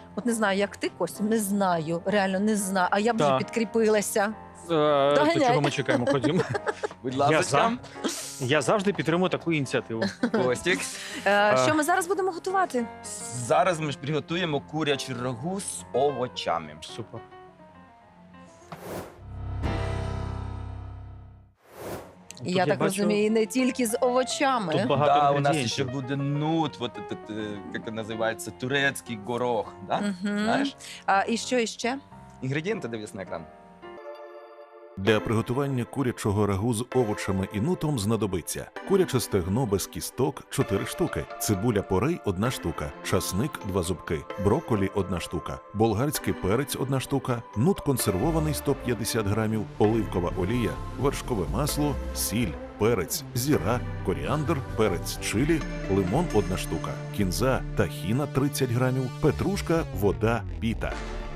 От не знаю, як ти, Костя, не знаю, реально не знаю. А я б вже Так. підкріпилася. То Доганяй. чого ми чекаємо? Ходімо. Будь Я ласка, Я завжди підтримую таку ініціативу. Костік. Що ми зараз будемо готувати? Зараз ми ж приготуємо курячу рагу з овочами. Супер. Тут Я так бачу, розумію, не тільки з овочами. Тут багато Да, у нас інгредієнтів. ще буде нут, вот этот, як він називається, турецький горох. Да? Мгм. Знаєш? І що іще? Інгредієнти дивись на екран. Для приготування курячого рагу з овочами і нутом знадобиться куряче стегно без кісток 4 штуки, цибуля порей 1 штука, часник 2 зубки, брокколі 1 штука, болгарський перець 1 штука, нут консервований 150 грамів, оливкова олія, вершкове масло, сіль, перець, зіра, коріандр, перець чилі, лимон 1 штука, кінза, тахіна 30 грамів, петрушка, вода, піта.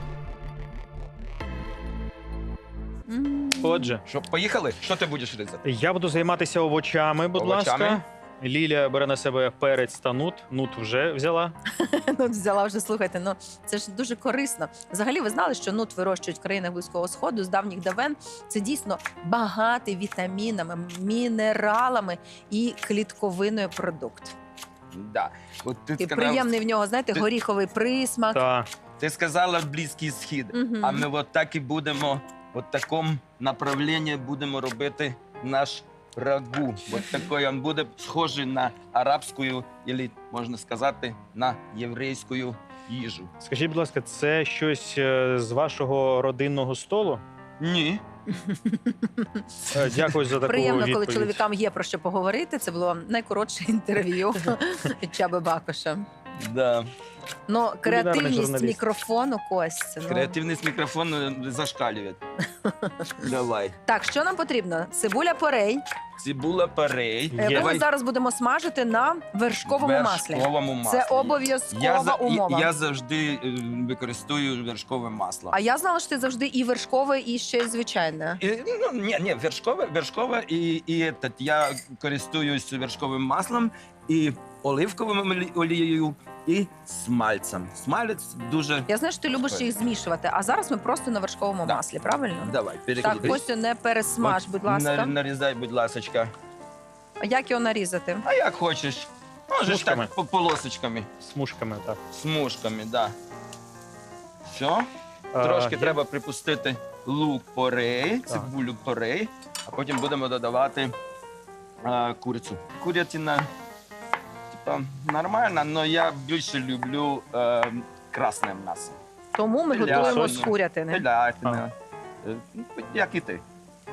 М. Отже, Що, поїхали? Що ти будеш різати? я буду займатися овочами, будь Овочами? ласка. Лілія бере на себе перець та нут. Нут вже взяла. Ну, взяла вже, слухайте, ну це ж дуже корисно. Взагалі, ви знали, що нут вирощують в країнах Близького Сходу з давніх давен. Це дійсно багатий вітамінами, мінералами і клітковиною продукт. Да. От ти, І приємний в нього, знаєте, ти- горіховий присмак. Та ти сказала Близький Схід, Мгм. а ми от так і будемо, от такому направленні будемо робити наш рагу. От такий він буде схожий на арабську, або, можна сказати, на єврейську їжу. скажіть, будь ласка, це щось з вашого родинного столу? Ні. Дякую за таку Приємно, коли відповідь. чоловікам є про що поговорити. Це було найкоротше інтерв'ю від Чаби Бакоша. Да. Ну, креативність журналіст. мікрофону, Костя. Ну. Креативність мікрофону зашкалює. Давай. Так, що нам потрібно? Цибуля порей. Цибула порей. Є. Яку ми Давай зараз будемо смажити на вершковому маслі. вершковому маслі. Це обов'язкова умова. Я завжди використовую вершкове масло. А я знала, що ти завжди і вершкове, і ще й звичайне. Ну, ні, вершкове я користуюсь вершковим маслом і оливковою олією, і смальцем. Смалець дуже... Я знаю, що ти любиш їх змішувати, а зараз ми просто на вершковому Да. маслі, правильно? Давай, Так, переклади. Костю, не пересмаж, будь ласка. Нарізай, будь ласочка. А як його нарізати? А як хочеш. Можеш Смужками. так, полосочками, Смужками, так. смужками, да. Все. Трошки Я- треба припустити лук порей, Так. цибулю порей, а потім будемо додавати курицю. Курятина, типа, нормальна, але я більше люблю красне м'ясо. Тому ми Теля, готуємо з соня. курятини. Телятина. Як і ти.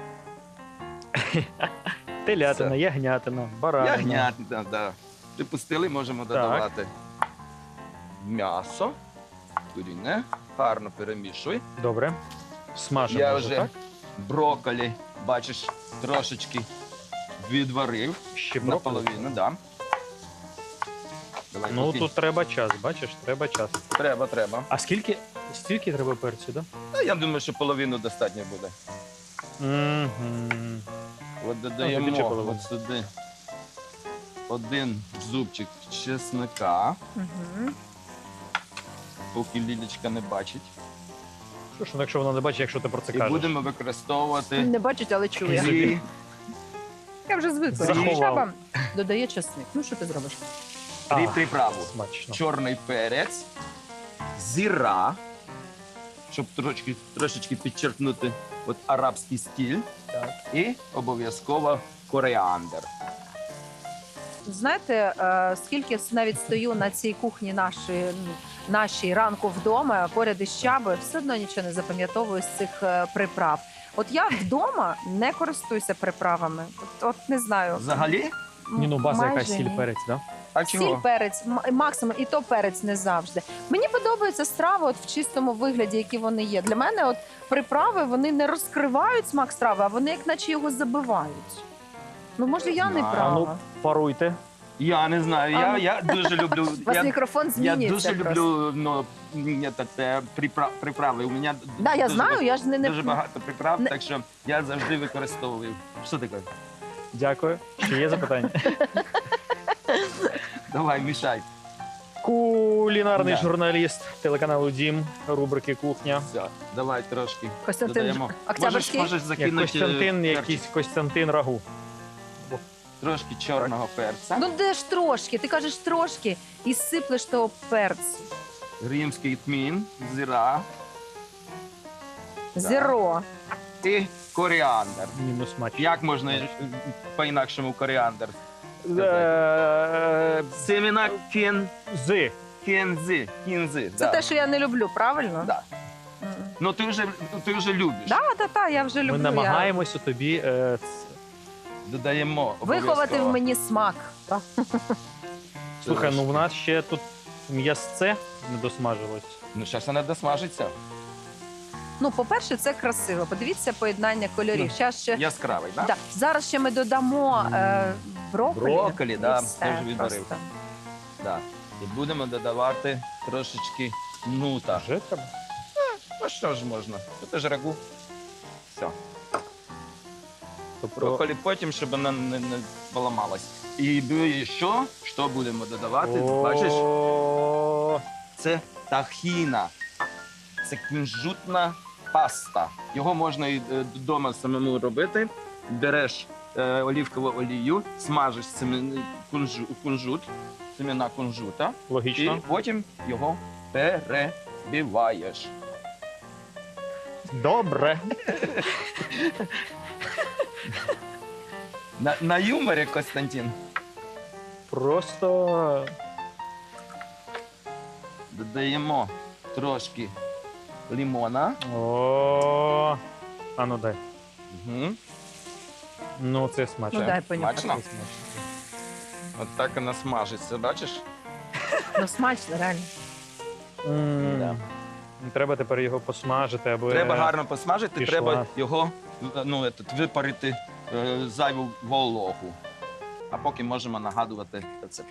Телятина, Все. ягнятина, баранина. Ягнятина, да. Припустили, можемо додавати м'ясо, куріне, гарно перемішуй. Добре. Смажемо Я вже, вже так? брокколі, бачиш, трошечки відварив. Ще брокколі. Наполовину, да. Давай, Ну, поки. тут треба час, бачиш, треба час. Треба. А стільки треба перцю, так? Ну, я думаю, що половину достатньо буде. Угу. От більше додаємо половини. от сюди один зубчик чесника, Угу. поки Лілечка не бачить. Що ж, ну, якщо вона не бачить, якщо ти про це І кажеш. будемо використовувати Не бачить, але чує. дві, Я вже звикла. Заховав. Чаба додає чесник. Ну, що ти зробиш? дві А, приправи. Смачно. Чорний перець, зіра, щоб трошечки підчеркнути от арабський стиль. Так. І обов'язково коріандр. Знаєте, скільки навіть стою на цій кухні нашій ранку вдома, поряд із Чабою, все одно нічого не запам'ятовую з цих приправ. От я вдома не користуюся приправами. От не знаю. Взагалі? Ні, ну база Майже якась сіль, ні. перець, так? А Сіль, чого? перець, максимум, і то перець не завжди. Мені подобаються страви от в чистому вигляді, які вони є. Для мене от приправи, вони не розкривають смак страви, а вони як наче його забивають. Ну, може, я не А, А права. ну, паруйте. Я не знаю. А, ну. Я дуже люблю. У вас мікрофон Я змінюється. дуже просто. люблю приправи. У мене Да, я дуже знаю, я ж не дуже багато приправ, не- так що я завжди використовую. Що таке? Дякую. Ще є запитання? Давай, мішай. Куль. Кулінарний Да. журналіст телеканалу Дім, рубрики Кухня. Все, давай трошки Костянтин додаємо. Октябрьський? Можеш Як закинути Костянтин, перчик. якийсь Костянтин Рагу. Трошки чорного перця. Ну де ж трошки? Ти кажеш трошки і сиплеш того перцю. Римський тмін, зира Зеро. і коріандр. Мінус смач. Як можна по-інакшому коріандр? Семена кінзи. Це те, що я не люблю, правильно? Да. М. Ну ти вже любиш. Да, я вже люблю. Ми намагаємося тобі Додаємо Виховати обов'язково. в мені смак. Слухай, ну в нас ще тут м'ясце не досмажилось. Ну, зараз вона досмажиться. Ну, по-перше, це красиво. Подивіться поєднання кольорів. Ну, Щас ще... Яскравий, так? Да. Зараз ще ми додамо брокколі. Брокколі, да, І все теж відварив. просто. Да. І будемо додавати трошечки нута. Вже треба? Ну що ж можна? Це ж рагу. Все. Тобто Брокколі потім, щоб вона не поламалась. І що будемо додавати? Бачиш? О, Це тахіна. Це кунжутна паста. Його можна і вдома самому робити. Береш олівкову олію, смажеш кунжут, семена кунжута, і логічно. потім його перебиваєш. Добре. На юморі, Костянтин, Просто додаємо трошки лимона. о. А ну дай. Угу. Ну, це смачно. Ну, дай понюхати. Смачно? От так вона смажиться, бачиш? Ну, смачно, реально. М. Треба тепер його посмажити, аби Треба гарно посмажити, пішла. треба його випарити зайву вологу. А поки можемо нагадувати рецепт.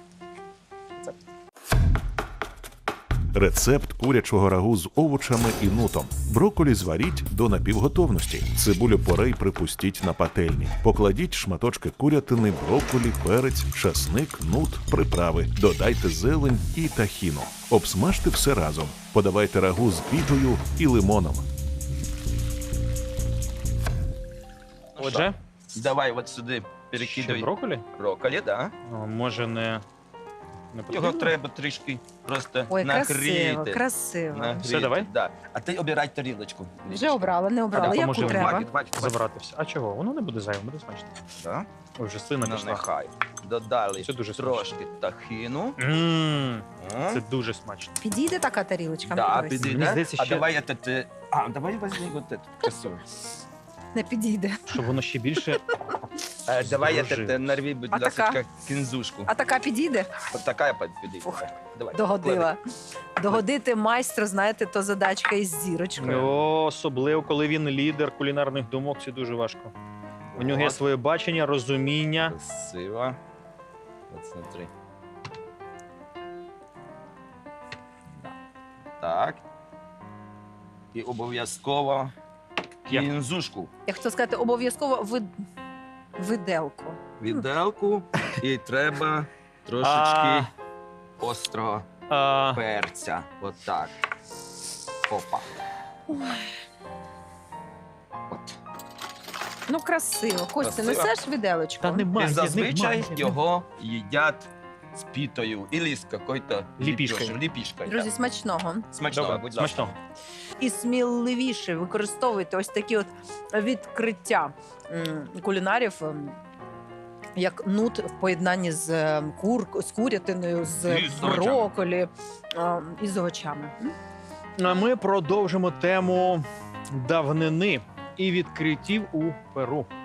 Рецепт курячого рагу з овочами і нутом. Брокколі зваріть до напівготовності. Цибулю порей припустіть на пательні. Покладіть шматочки курятини, брокколі, перець, часник, нут, приправи. Додайте зелень і тахіну. Обсмажте все разом. Подавайте рагу з бігою і лимоном. Ну Отже, що, давай от сюди ще перекидуй брокколі? брокколі, да? Може не Його потрібно? треба трішки просто Ой, красиво, нагріти. красиво. Нагріти, Все, давай? Да. А ти обирай тарілочку. Вже обрала, не обрала. А Яку допоможи треба? Хватить. Забрати все. А чого? Воно не буде зайвим, буде смачно. Да? Ой, вже слина Ну, пішла. нехай. Додали Це дуже смачно. трошки тахіну. Це дуже смачно. Підійде така тарілочка? Да, Мені дивись. Мені підійде. здається, А ще- давай этот... А, давай возьми вот эту красу. Не підійде. Щоб воно ще більше. Давай Здружив. этот, нарви, будь А така? ласка, кінзушку. А така підійде? От така підійде. Фух, Давай. Догодила. Догодити майстру, знаєте, то задачка із зірочкою. О, особливо, коли він лідер кулінарних думок, це дуже важко. У нього є От. своє бачення, розуміння. Красиво. От смотри. Так. І обов'язково Як? кінзушку. Я хотіла сказати, обов'язково виделку. Віделку. І треба трошечки А. острого А, перця. От так. Опа. От. Ну, красиво. Костя, Красиво. несеш виделочку? Та нема. І Немає, зазвичай немає. його їдять з пітою або з якоюсь Ліпішкою. ліпішкою. Друзі, смачного. Смачного, Добре, будь ласка. смачного. І сміливіше використовуйте ось такі от відкриття кулінарів, як нут в поєднанні з курятиною, з І з овочами. брокколі і з овочами. А ми продовжимо тему давнини і відкриттів у Перу.